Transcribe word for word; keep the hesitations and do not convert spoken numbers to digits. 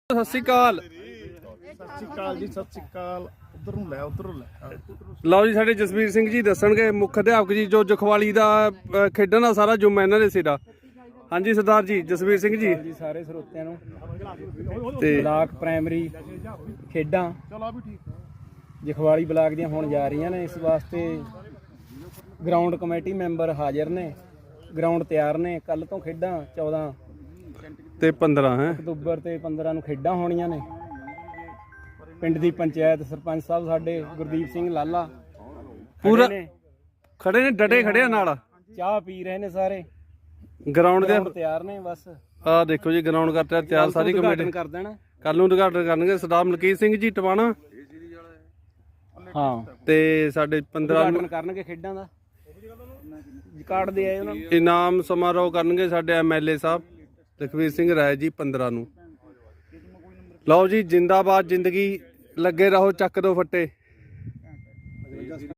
ਸਤਿ ਸ਼੍ਰੀ ਅਕਾਲ। ਸਤਿ ਸ਼੍ਰੀ ਅਕਾਲ ਜੀ, ਸਤਿ ਸ਼੍ਰੀ ਅਕਾਲ। ਉਧਰ ਨੂੰ ਲੈ, ਉਧਰ ਨੂੰ ਲੈ। ਲਓ ਜੀ, ਸਾਡੇ ਜਸਵੀਰ ਸਿੰਘ ਜੀ ਦੱਸਣਗੇ, ਮੁੱਖ ਅਧਿਆਪਕ ਜੀ, ਜੋ ਜਖਵਾਲੀ ਦਾ ਅ, ਖੇਡਣ ਦਾ ਸਾਰਾ ਜੁੰਮਾ ਇਹਨਾਂ ਦੇ ਸਿਰਾ। ਹਾਂਜੀ ਸਰਦਾਰ ਜੀ, ਜਸਵੀਰ ਸਿੰਘ ਜੀ। ਜੀ ਸਾਰੇ ਸਰੋਤਿਆਂ ਨੂੰ ਤੇ ਬਲਾਕ ਪ੍ਰਾਇਮਰੀ ਖੇਡਾਂ ਜਖਵਾਲੀ ਬਲਾਕ ਦੀਆਂ ਹੋਣ ਜਾ ਰਹੀਆਂ ਨੇ। ਇਸ ਵਾਸਤੇ ਗਰਾਊਂਡ ਕਮੇਟੀ ਮੈਂਬਰ ਹਾਜ਼ਰ ਨੇ, ਗਰਾਊਂਡ ਤਿਆਰ ਨੇ। ਕੱਲ ਤੋਂ ਖੇਡਾਂ ਚੌਦਾਂ ਤੇ ਪੰਦਰਾਂ ਹੈ ਅਕਤੂਬਰ ਤੇ ਪੰਦਰਾਂ ਨੂੰ ਖੇਡਾਂ ਹੋਣੀਆਂ ਨੇ। ਪਿੰਡ ਦੀ ਪੰਚਾਇਤ ਸਰਪੰਚ ਸਾਹਿਬ ਸਾਡੇ ਗੁਰਦੀਪ ਸਿੰਘ ਲਾਲਾ ਪੂਰਾ ਨੇ, ਖੜੇ ਨੇ, ਡਟੇ ਖੜੇ ਆ ਨਾਲ। ਚਾਹ ਪੀ ਰਹੇ ਨੇ ਸਾਰੇ। ਗਰਾਊਂਡ ਦੇ ਗਰਾਊਂਡ ਤਿਆਰ ਨੇ ਬਸ। ਆਹ ਦੇਖੋ ਜੀ, ਗਰਾਊਂਡ ਕਰਤਾ ਤਿਆਰ ਸਾਰੀ ਕਮੇਟੀ। ਕਰ ਦੇਣਾ ਕੱਲ ਨੂੰ ਉਦਘਾਟਨ ਕਰਨਗੇ ਸਰਦਾਰ ਮਲਕੀਤ ਸਿੰਘ ਜੀ ਟਵਾਣਾ। ਹਾਂ, ਤੇ ਸਾਡੇ ਪੰਦਰਾਂ ਉਦਘਾਟਨ ਕਰਨਗੇ ਖੇਡਾਂ ਦਾ। ਕਾਰਡ ਦੇ ਆਏ ਉਹਨਾਂ ਨੂੰ। ਇਨਾਮ ਸਮਾਰੋਹ ਕਰਨਗੇ ਸਾਡੇ ਐਮਐਲਏ ਸਾਹਿਬ ਲਖਵੀਰ ਸਿੰਘ ਰਾਏ ਜੀ ਪੰਦਰਾਂ ਨੂੰ। ਲਓ ਜੀ, ਜਿੰਦਾਬਾਦ ਜ਼ਿੰਦਗੀ, ਲੱਗੇ ਰਹੋ, ਚੱਕ ਦੋ ਫੱਟੇ।